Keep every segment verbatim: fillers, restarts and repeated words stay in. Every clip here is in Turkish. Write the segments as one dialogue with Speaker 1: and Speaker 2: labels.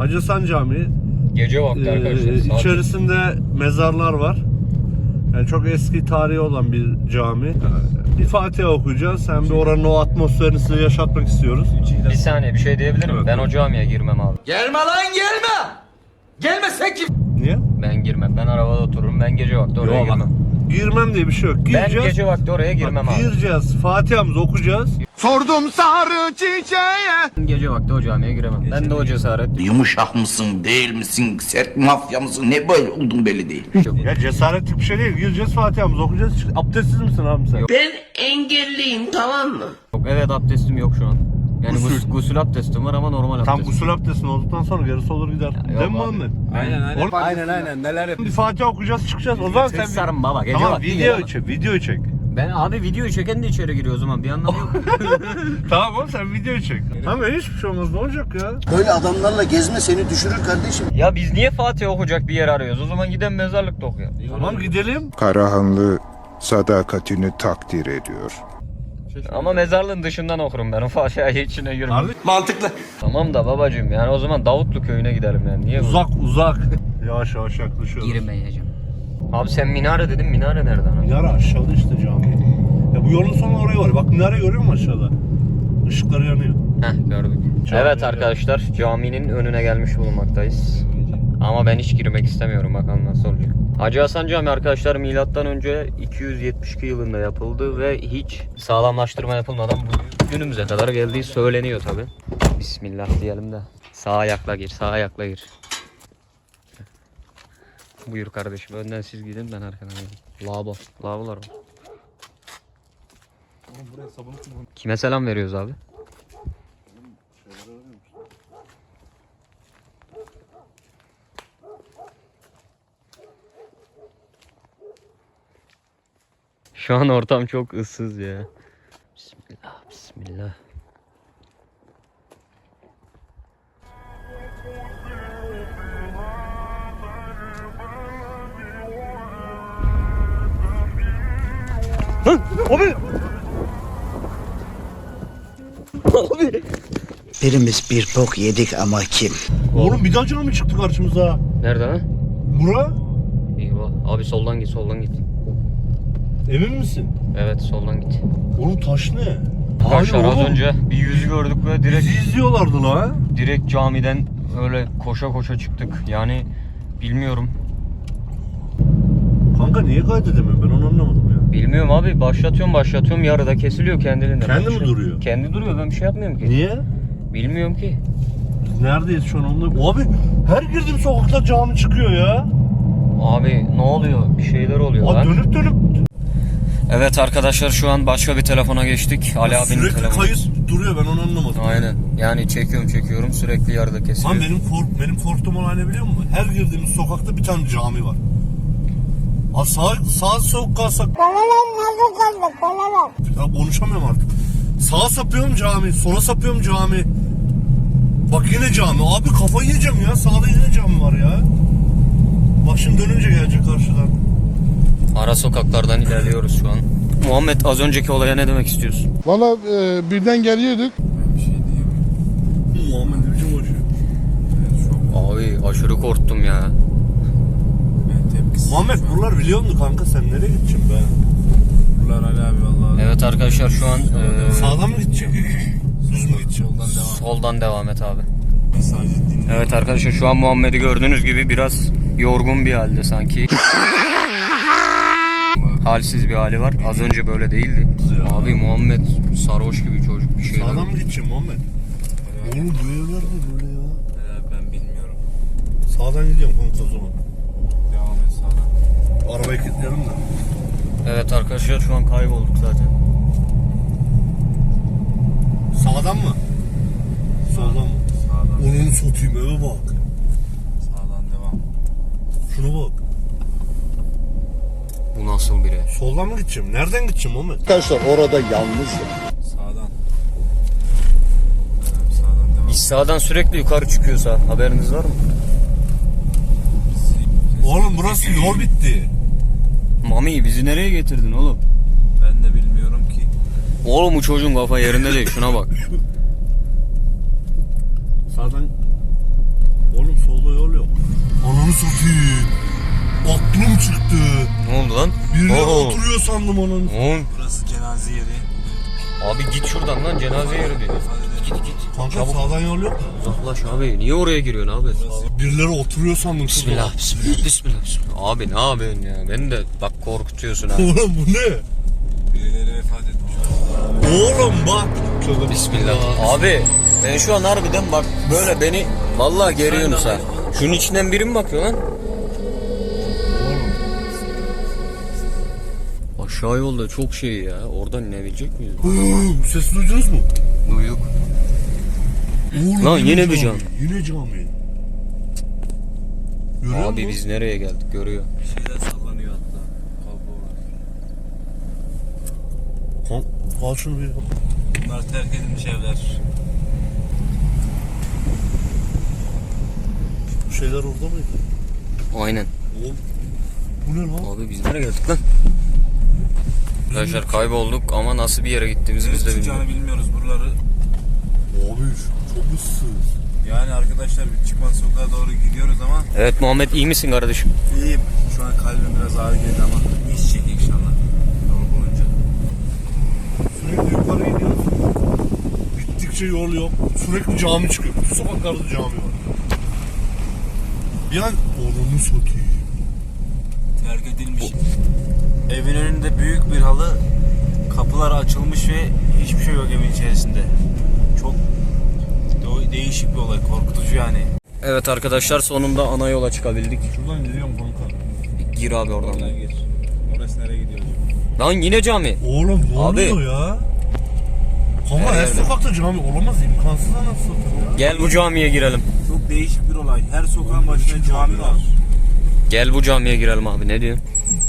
Speaker 1: Hacı Hasan Camii.
Speaker 2: Gece vakti
Speaker 1: Ee,
Speaker 2: arkadaşlar.
Speaker 1: içerisinde mezarlar var. Yani çok eski tarihi olan bir cami. Bir Fatiha okuyacağız. Hem de oranın o atmosferini size yaşatmak istiyoruz.
Speaker 2: Bir saniye bir şey diyebilir miyim? Ben o camiye girmem abi.
Speaker 3: Gelme lan gelme. Gelmesek kim?
Speaker 1: Niye?
Speaker 2: Ben girmem. Ben arabada otururum. Ben gece vakti oraya
Speaker 1: Yok,
Speaker 2: girmem.
Speaker 1: Girmem diye bir şey yok.
Speaker 2: Ben
Speaker 1: Gireceğiz.
Speaker 2: gece vakti oraya girmem
Speaker 1: Bak,
Speaker 2: abi.
Speaker 1: gireceğiz. Fatiha'mızı okuyacağız.
Speaker 3: Sordum sarı çiçeğe.
Speaker 2: Gece vakti o camiye giremem. Ben de o cesaret
Speaker 4: Yumuşak mısın, değil misin, sert mafya mısın, ne böyle oldun belli değil.
Speaker 2: yok.
Speaker 1: Ya cesaretlik bir şey değil. Gireceğiz, Fatiha'mızı okuyacağız. Abdestsiz misin abi sen?
Speaker 2: Yok.
Speaker 5: Ben engelliyim, tamam mı?
Speaker 2: Yok, evet abdestim yok şu an. Yani
Speaker 1: Gusül.
Speaker 2: gusül, gusül abdestim var ama normal abdestim.
Speaker 1: Tam gusül abdestin olduktan sonra gerisi olur gider.
Speaker 2: yok
Speaker 1: Değil mi
Speaker 2: abi.
Speaker 1: Muhammed?
Speaker 3: Aynen aynen.
Speaker 1: Oğlum,
Speaker 3: Aynen aynen neler yapıyor.
Speaker 1: Bir Fatiha okuyacağız, çıkacağız. O zaman sen...
Speaker 2: Sarım baba gece
Speaker 1: Tamam,
Speaker 2: vakti
Speaker 1: video
Speaker 2: gelemem.
Speaker 1: çek, video çek.
Speaker 2: Ben abi videoyu çeken de içeri giriyor o zaman bir anlamı yok.
Speaker 1: Tamam oğlum, sen video çek. Tamam, hiçbir şey olmaz, ne olacak ya?
Speaker 6: Böyle adamlarla gezme seni düşürür kardeşim.
Speaker 2: Ya biz niye Fatih okuyacak bir yer arıyoruz? O zaman giden mezarlıkta okuyalım.
Speaker 1: Tamam, gidelim.
Speaker 7: Karahanlı sadakatini takdir ediyor.
Speaker 2: Ama mezarlığın dışından okurum ben o Fatiha'yı içine girmem.
Speaker 1: Abi,
Speaker 3: Mantıklı.
Speaker 2: Tamam da babacığım yani o zaman Davutlu köyüne gidelim yani. Niye bu?
Speaker 1: uzak uzak. Yavaş yavaş yaklaşıyoruz.
Speaker 2: Girmeyeceğim. Abi sen minare dedin, minare nereden? abi?
Speaker 1: Minare aşağıda işte cami. Ya bu yolun sonu oraya var. Bak minare görüyor musun aşağıda? Işıkları yanıyor.
Speaker 2: Heh gördük.
Speaker 1: Cami
Speaker 2: Evet
Speaker 1: ya.
Speaker 2: arkadaşlar caminin önüne gelmiş bulunmaktayız. Ama ben hiç girmek istemiyorum, bakalım nasıl olacak. Hacı Hasan Camii arkadaşlar milattan önce iki yüz yetmiş iki yılında yapıldı ve hiç sağlamlaştırma yapılmadan bu günümüze kadar geldiği söyleniyor tabi. Bismillah diyelim de. Sağ ayakla gir, sağ ayakla gir. Buyur kardeşim, önden siz gidin ben arkadan geleyim. Lavabo, lavabolar var. Kime selam veriyoruz abi? Şu an ortam çok ıssız ya. Bismillah, bismillah. Lan abi! Abi!
Speaker 6: Birimiz bir bok yedik ama kim?
Speaker 1: Oğlum bir daha cami mı çıktı karşımıza?
Speaker 2: Nerede lan?
Speaker 1: Bura?
Speaker 2: Eyvah. Abi soldan git, soldan git.
Speaker 1: Emin misin?
Speaker 2: Evet, soldan git.
Speaker 1: Oğlum taş ne?
Speaker 2: Arkadaşlar az
Speaker 1: oğlum,
Speaker 2: önce bir yüz gördük ve direkt
Speaker 1: bizi izliyorlardı la.
Speaker 2: direkt camiden öyle koşa koşa çıktık. Yani bilmiyorum.
Speaker 1: Kanka niye kaydedemiyorum, ben onu anlamadım ya.
Speaker 2: Bilmiyorum abi, başlatıyorum başlatıyorum yarıda kesiliyor kendiliğinden.
Speaker 1: Kendi
Speaker 2: Ben
Speaker 1: mi
Speaker 2: bir şey-
Speaker 1: duruyor?
Speaker 2: Kendi duruyor, ben bir şey yapmıyorum ki.
Speaker 1: Niye?
Speaker 2: Bilmiyorum ki.
Speaker 1: Biz neredeyiz şu an onu? Abi her girdiğim sokakta cami çıkıyor ya.
Speaker 2: Abi ne oluyor? Bir şeyler oluyor
Speaker 1: Abi
Speaker 2: lan.
Speaker 1: dönüp dönüp
Speaker 2: Evet arkadaşlar şu an başka bir telefona geçtik. Ali abinin
Speaker 1: sürekli
Speaker 2: telefonu.
Speaker 1: kayıt duruyor, ben onu anlamadım.
Speaker 2: Aynen. Yani çekiyorum çekiyorum sürekli yarıda kesiliyor.
Speaker 1: Lan benim kork benim korktuğum olay ne biliyor musun? Her girdiğimiz sokakta bir tane cami var. Aa, sağ sağ sokağa sak. Ya konuşamıyorum artık. Sağa sapıyorum cami, sola sapıyorum cami. Bak yine cami. Abi kafayı yiyeceğim ya. Sağda yine cami var ya. Bak şimdi dönünce gelecek karşıdan.
Speaker 2: Ara sokaklardan ilerliyoruz şu an. Muhammed az önceki olaya ne demek istiyorsun?
Speaker 7: Valla e, birden geliyorduk.
Speaker 1: Muhammed ne biçim koşuyor?
Speaker 2: Abi aşırı korktum ya.
Speaker 1: Muhammed buralar biliyor musun kanka, sen nereye gideceksin be?
Speaker 3: Buralar Ali abi vallahi.
Speaker 2: Evet arkadaşlar şu an e,
Speaker 1: Sağdan mı gideceksin? Düz mü gideceksin?
Speaker 2: soldan devam et abi.
Speaker 3: Sadece dinle.
Speaker 2: Evet arkadaşlar şu an Muhammed'i gördüğünüz gibi biraz yorgun bir halde sanki. Halsiz bir hali var. Az önce böyle değildi. Abi Muhammed sarhoş gibi çocuk bir şey.
Speaker 1: Sağdan mı gideceksin Muhammed? Oğlum bu evler mi böyle ya?
Speaker 3: Ali abi ben bilmiyorum.
Speaker 1: Sağdan gidiyorum kanka o zaman.
Speaker 3: Devam et sağdan.
Speaker 1: Arabayı kilitleyelim de.
Speaker 2: Evet arkadaşlar şu an kaybolduk zaten.
Speaker 1: Sağdan mı? Soldan mı?
Speaker 3: Sağdan.
Speaker 1: Onun satayım, eve bak.
Speaker 3: Sağdan devam.
Speaker 1: Şuna bak.
Speaker 2: Bu nasıl biri?
Speaker 1: Soldan mı gideceğim? Nereden gideceğim Muhammed?
Speaker 7: Arkadaşlar orada yalnızdım.
Speaker 3: Sağdan. Evet, sağdan devam.
Speaker 2: Biz sağdan sürekli yukarı çıkıyorsa haberiniz var mı?
Speaker 1: Oğlum burası yol bitti.
Speaker 2: Mami bizi nereye getirdin oğlum?
Speaker 3: Ben de bilmiyorum ki.
Speaker 2: Oğlum bu çocuğun kafa yerinde değil, şuna bak.
Speaker 1: Sağdan... satayım. Aklım çıktı.
Speaker 2: Ne oldu lan?
Speaker 1: Birileri
Speaker 2: Oo.
Speaker 1: oturuyor sandım onun.
Speaker 2: Oğlum.
Speaker 3: Burası cenaze yeri.
Speaker 2: Abi git şuradan lan, cenaze yeri diyor. Git git.
Speaker 1: Kanka
Speaker 2: Çabuk.
Speaker 1: sağdan yol yok mu?
Speaker 2: Uzaklaş abi. Niye oraya giriyorsun abi?
Speaker 1: Birileri oturuyor sandım.
Speaker 2: Bismillah, bismillah, bismillah, bismillah. Abi ne yapıyorsun ya? Beni de bak korkutuyorsun ha.
Speaker 1: Oğlum bu ne?
Speaker 3: Birileri vefat etmiş.
Speaker 1: Oğlum bak.
Speaker 2: Bismillah. Abi ben şu an harbiden bak böyle beni vallahi geriyorsunuz ha. Şunun içinden biri mi bakıyor lan? Aşağı yolda çok şey ya. Oradan inebilecek miyiz?
Speaker 1: Hıı, ses duydunuz mu?
Speaker 2: Duyduk.
Speaker 1: Oğlum,
Speaker 2: Lan yine bir cami.
Speaker 1: Yine cami. Görüyor
Speaker 2: Abi
Speaker 1: musun?
Speaker 2: biz nereye geldik görüyor.
Speaker 3: Bir şeyler sallanıyor hatta. Kablo var.
Speaker 1: Kan- Al şunu bir.
Speaker 3: Bunlar terk edilmiş evler.
Speaker 1: Bu şeyler orada mıydı?
Speaker 2: Aynen.
Speaker 1: Oğlum. Bu ne lan?
Speaker 2: Abi biz nereye geldik lan? Arkadaşlar kaybolduk ama nasıl bir yere gittiğimizi biz de bilmiyoruz.
Speaker 3: Çıkacağını bilmiyoruz buraları.
Speaker 1: Abi çok ıssız.
Speaker 3: Yani arkadaşlar bir çıkmaz sokağa doğru gidiyoruz ama
Speaker 2: Evet Muhammed, iyi misin kardeşim?
Speaker 3: iyiyim. Şu an kalbim biraz ağır geldi ama geçecek inşallah. Yol boyunca.
Speaker 1: Sürekli yukarı gidiyoruz. Gittikçe yol yok. Sürekli cami çıkıyor. Bütün sokaklarda cami var. Bir an oranı satayım.
Speaker 3: Terk edilmiş. Evin önünde büyük bir halı, kapılar açılmış ve hiçbir şey yok evin içerisinde. Çok de- değişik bir olay, korkutucu yani.
Speaker 2: Evet arkadaşlar, sonunda ana yola çıkabildik.
Speaker 1: Şuradan gidiyorum kanka.
Speaker 2: Gir abi oradan.
Speaker 3: Oradan gir. Orası nereye gidiyor acaba?
Speaker 2: Lan yine cami.
Speaker 1: Oğlum ne
Speaker 2: Abi.
Speaker 1: oluyor ya? Kanka
Speaker 2: Her
Speaker 1: her,
Speaker 2: yerde.
Speaker 1: sokakta cami olamaz, imkansız anasını satayım ya.
Speaker 2: Gel bu camiye girelim.
Speaker 3: Çok değişik bir olay. Her sokağın başında cami var.
Speaker 2: Gel bu camiye girelim abi, ne diyorsun?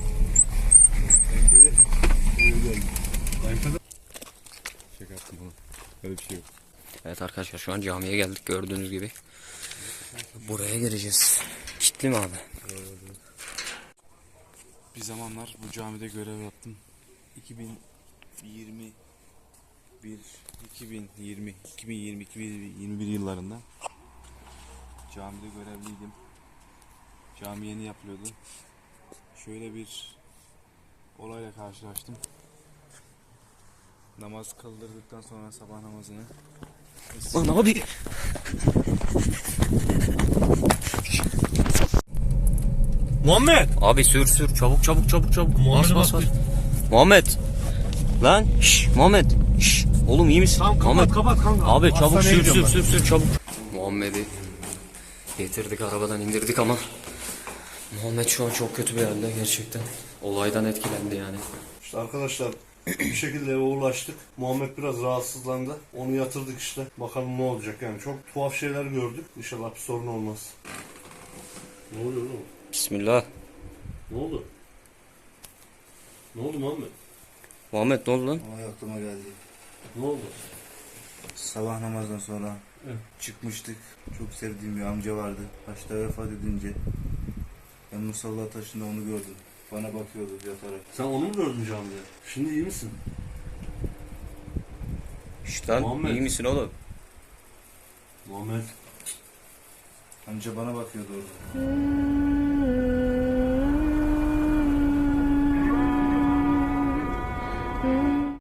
Speaker 2: Evet arkadaşlar, şu an camiye geldik gördüğünüz gibi. Buraya gireceğiz. Kitli mi abi?
Speaker 3: Bir zamanlar bu camide görev yaptım. iki bin yirmi bir, iki bin yirmi, iki bin yirmi, iki bin yirmi bir yıllarında camide görevliydim. Cami yeni yapılıyordu. Şöyle bir olayla karşılaştım. Namaz kıldırdıktan sonra sabah namazını
Speaker 2: Lan abi.
Speaker 1: Muhammed!
Speaker 2: Abi sür sür, çabuk çabuk çabuk çabuk.
Speaker 1: Muhammed'e
Speaker 2: Bas bas
Speaker 1: bak
Speaker 2: bas. Muhammed. Lan şş Muhammed. Şş. Oğlum iyi misin?
Speaker 1: Tamam kapat
Speaker 2: Muhammed.
Speaker 1: kapat kanka.
Speaker 2: Abi çabuk
Speaker 1: Hastaneye
Speaker 2: sür sür
Speaker 1: gidiyorum
Speaker 2: sür sür çabuk. Muhammed'i getirdik, arabadan indirdik ama Muhammed şu an çok kötü bir halde gerçekten. Olaydan etkilendi yani.
Speaker 1: İşte arkadaşlar bir şekilde eve ulaştık. Muhammed biraz rahatsızlandı. Onu yatırdık işte. Bakalım ne olacak yani. Çok tuhaf şeyler gördük. İnşallah bir sorun olmaz. Ne oluyor oğlum?
Speaker 2: Bismillah.
Speaker 1: Ne oldu? Ne oldu Muhammed?
Speaker 2: Muhammed ne oldu lan?
Speaker 3: olay aklıma geldi.
Speaker 1: Ne oldu?
Speaker 3: Sabah namazdan sonra çıkmıştık. Çok sevdiğim bir amca vardı. Başta vefat edince ben musalla taşında onu gördüm. Bana bakıyordu yatarak.
Speaker 1: Sen onu mu gördün camide? Şimdi iyi misin?
Speaker 2: İşte lan,
Speaker 1: Muhammed.
Speaker 2: iyi misin oğlum?
Speaker 1: Muhammed.
Speaker 3: Amca bana bakıyordu orada.